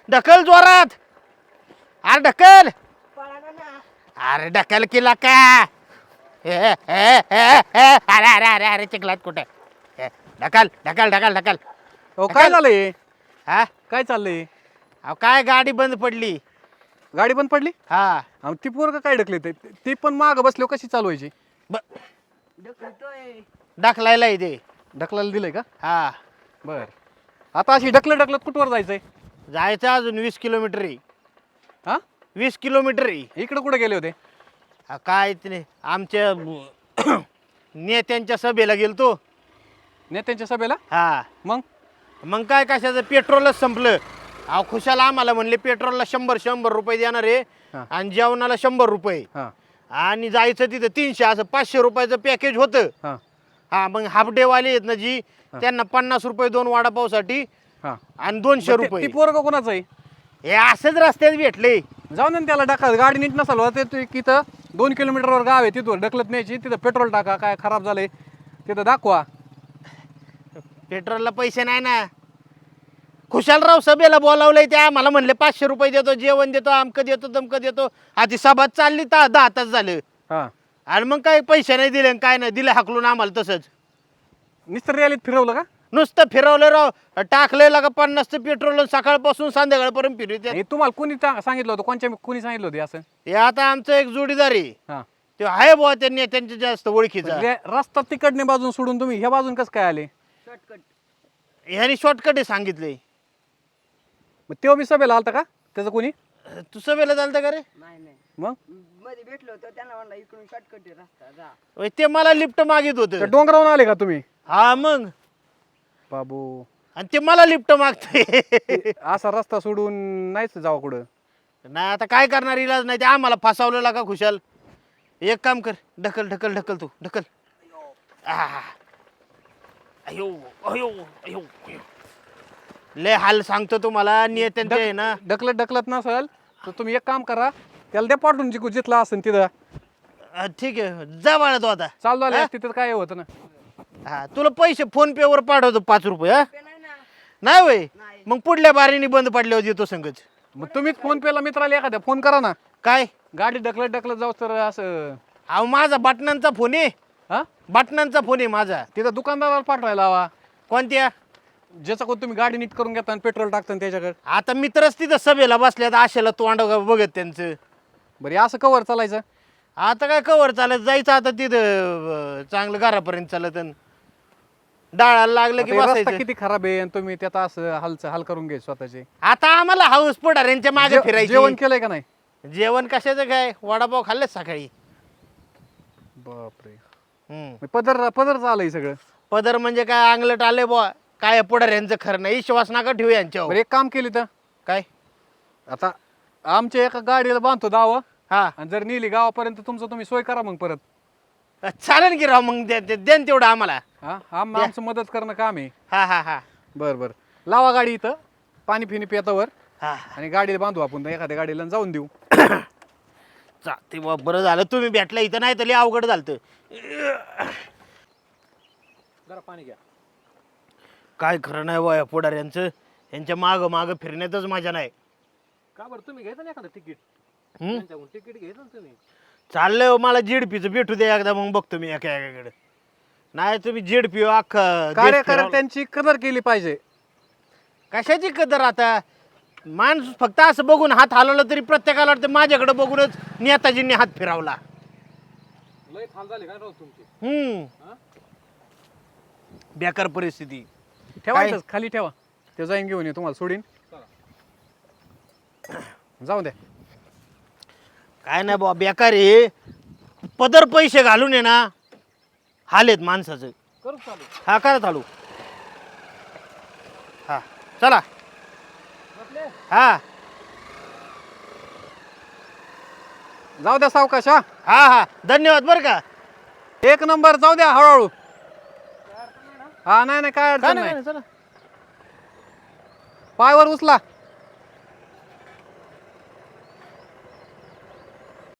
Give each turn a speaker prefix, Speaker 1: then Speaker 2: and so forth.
Speaker 1: ढकल जोरात. अरे ढकल. अरे ढकल केला का? अरे अरे अरे अरे चिखलात कुठे? ढकल ढकल ढकल ढकल.
Speaker 2: अहो काय झालंय?
Speaker 1: हा
Speaker 2: काय चाललंय?
Speaker 1: अहो काय गाडी बंद पडली.
Speaker 2: गाडी बंद पडली?
Speaker 1: हा
Speaker 2: अहो ती पोरं काय ढकले ती पण माग बसलो कशी चालवायची?
Speaker 1: ढकलायला इथे.
Speaker 2: ढकलायला दिलंय का?
Speaker 1: हा
Speaker 2: बर. आता अशी ढकलत कुठवर जायचंय?
Speaker 1: जायचं अजून 20 किलोमीटर आहे.
Speaker 2: हा
Speaker 1: 20 किलोमीटर आहे.
Speaker 2: इकडे कुठे गेले होते?
Speaker 1: काय ते आमच्या नेत्यांच्या सभेला गेलतो.
Speaker 2: नेत्यांच्या सभेला?
Speaker 1: हा
Speaker 2: मग
Speaker 1: मग काय कशाचं पेट्रोलच संपलं. अहो खुशाला आम्हाला म्हणले पेट्रोलला 100 रुपये देणार आहे
Speaker 2: हा.
Speaker 1: आणि जेवणाला 100 रुपये
Speaker 2: हा
Speaker 1: आणि जायचं तिथं 300 असं 500 रुपयाचं पॅकेज होतं.
Speaker 2: हा
Speaker 1: हा मग हाफ डे वाले आहेत ना जी त्यांना 50 रुपये 2 वडापावसाठी
Speaker 2: हा
Speaker 1: आणि 200
Speaker 2: ती
Speaker 1: रुपये.
Speaker 2: पोरं कोणाचं आहे?
Speaker 1: हे असंच रस्त्यात भेटले.
Speaker 2: जाऊन ना त्याला टाका. गाडी नीट नसाल ते तिथं 2 किलोमीटरवर गाव आहे, तिथून ढकलत न्यायची. तिथं पेट्रोल टाका. काय खराब झालंय तिथं दाखवा.
Speaker 1: पेट्रोलला पैसे नाही ना. खुशालराव सभेला बोलावलंय ते आम्हाला म्हणले 500 रुपये देतो, जेवण देतो, अमकं देतो तमकं देतो. आधी सभा चालली 10 तास झालं
Speaker 2: हा
Speaker 1: आणि मग काय पैसे नाही दिले काय नाही दिले हाकलून आम्हाला तसंच.
Speaker 2: निस्तर रॅलीत फिरवलं का?
Speaker 1: नुसतं फिरवलं राव. टाकलेलं का 50चं पेट्रोल सकाळपासून संध्याकाळपर्यंत फिरवते.
Speaker 2: हे तुम्हाला कोणी सांगितलं होतं? कोणी सांगितलं होतं असं?
Speaker 1: हे आता आमचं एक जोडीदार आहे.
Speaker 2: हा
Speaker 1: ते आहे बुवा त्यांनी त्यांच्या जास्त ओळखीचा.
Speaker 2: रस्ता तिकडने बाजून सोडून तुम्ही ह्या बाजून कसं काय आले?
Speaker 1: ह्यानी शॉर्टकट सांगितले.
Speaker 2: मग तेव्हा मी सभेला आलता का त्याचं कोणी?
Speaker 1: तू सभेला चालतं का रे?
Speaker 2: मग
Speaker 3: मध्ये भेटलो होतो त्यांना म्हणलं इकडून शॉर्टकट रस्ता जा.
Speaker 1: होय, ते मला लिफ्ट मागित
Speaker 2: त्या
Speaker 1: होत.
Speaker 2: डोंगरावरून आले का तुम्ही?
Speaker 1: हा मग
Speaker 2: बाबू
Speaker 1: आणि ते मला लिफ्ट मागते.
Speaker 2: असा रस्ता सोडून नाहीच जावा कुठं.
Speaker 1: नाही आता काय करणार, इलाज नाही. ते आम्हाला फसावलेला का खुशाल. एक काम कर, ढकल ढकल ढकल तू ढकल. आह. अयो अयो अयो अयो. लय हाल सांगतो तुम्हाला. नेत्यांचे आहे ना.
Speaker 2: ढकलत नसेल तर तुम्ही एक काम करा, त्याला द्या पाठवून जिथला असेल तिथं.
Speaker 1: ठीक आहे जा बाळा तू आता.
Speaker 2: चालू आले तिथं काय होतं ना.
Speaker 1: हा तुला पैसे फोन पे वर पाठवतो 5 रुपये. हा
Speaker 3: ते नाही ना.
Speaker 1: नाही होय मग पुढल्या बारीने बंद पडल्यावर देतो संगच.
Speaker 2: मग तुम्हीच फोन पेला मित्राला एखाद्या फोन करा ना.
Speaker 1: काय
Speaker 2: गाडी ढकलत जाऊ तर असं.
Speaker 1: अहो माझा बटनांचा फोन आहे.
Speaker 2: हा
Speaker 1: बटनांचा फोन आहे माझा.
Speaker 2: तिथं दुकानदाराला पाठवायला हवा.
Speaker 1: कोणत्या?
Speaker 2: ज्याचा कोण तुम्ही गाडी नीट करून घेता आणि पेट्रोल टाकता त्याच्याकडे.
Speaker 1: आता मित्रच तिथं सभेला बसल्यात आशेला तोंड बघत त्यांचं.
Speaker 2: बरं असं कवर चालायचं?
Speaker 1: आता काय कवर चालत जायचं आता तिथं चांगलं घरापर्यंत चालत अन डाळाला लागलं की
Speaker 2: आता हे रस्ता
Speaker 1: बसायचं.
Speaker 2: किती खराब आहे आणि तुम्ही त्यात असं हाल करून घ्यायचं स्वतःचे.
Speaker 1: आता आम्हाला हाऊस पडाऱ्यांच्या मागे फिरायचं.
Speaker 2: जेवण केलंय का नाही?
Speaker 1: जेवण कशाचं काय वडापाव खाल्लेच सकाळी.
Speaker 2: बापरे.
Speaker 1: हम्म.
Speaker 2: पदर चालय सगळं.
Speaker 1: पदर म्हणजे काय अंगलट आले बुवा. काय पुढाऱ्यांचं खरं नाही. विश्वास नका ठेवू यांच्यावर.
Speaker 2: बरं एक काम केली तर
Speaker 1: काय?
Speaker 2: आता आमच्या एका गाडीला बांधतो दावा
Speaker 1: हा
Speaker 2: आणि जर नेली गावापर्यंत तुमचं तुम्ही सोय करा मग परत.
Speaker 1: चालेल की राव मग देन तेवढं आम्हाला.
Speaker 2: हा आमचं मदत करणं काम आहे.
Speaker 1: हा हा हा
Speaker 2: बरं लावा गाडी इथं पाणी फिनी पेतावर
Speaker 1: हा
Speaker 2: आणि गाडीला बांधू आपण एखाद्या गाडीला आणि जाऊन देऊ.
Speaker 1: चालते बुवा. बरं झालं तुम्ही भेटला इथं, नाही तर लय अवघड झालं.
Speaker 2: जरा पाणी घ्या.
Speaker 1: काय खरं नाही बुवा या पुढाऱ्यांचं. यांच्या मागं फिरण्यातच मजा नाही.
Speaker 2: का बरं तुम्ही घ्यायचं ना एखादं तिकीट?
Speaker 1: हम्म?
Speaker 2: तिकीट घ्यायचं ना तुम्ही.
Speaker 1: चाललंय हो, मला जेडपीचं भेटू द्या एकदा मग बघतो मी एकाकडे. नाही तुम्ही जेडपी अख्खा
Speaker 2: कार्यकर्त्यांची कदर केली पाहिजे.
Speaker 1: कशाची कदर आता. माणूस फक्त असं बघून हात हलवला तरी प्रत्येकाला वाटतं माझ्याकडे बघूनच नेताजींनी हात फिरवला.
Speaker 2: लय हाल झाले काय राव तुमची.
Speaker 1: हम्म बेकार परिस्थिती.
Speaker 2: ठेवायचं खाली ठेवा. ते जाईन घेऊन ये तुम्हाला सोडीन. जाऊ द्या.
Speaker 1: काय नाही बाबा बेकार आहे. पदर पैसे घालून ये ना हालेत माणसाचं.
Speaker 2: करू चालू.
Speaker 1: हा करा चालू. हा चला. हा
Speaker 2: जाऊ द्या सावकाश. हा
Speaker 1: हा हा धन्यवाद बरं का.
Speaker 2: एक नंबर. जाऊ द्या हळूहळू. हा नाही काय
Speaker 1: काय
Speaker 2: अडचण
Speaker 1: नाही
Speaker 2: नाही.
Speaker 1: चला.
Speaker 2: पायवर उचला.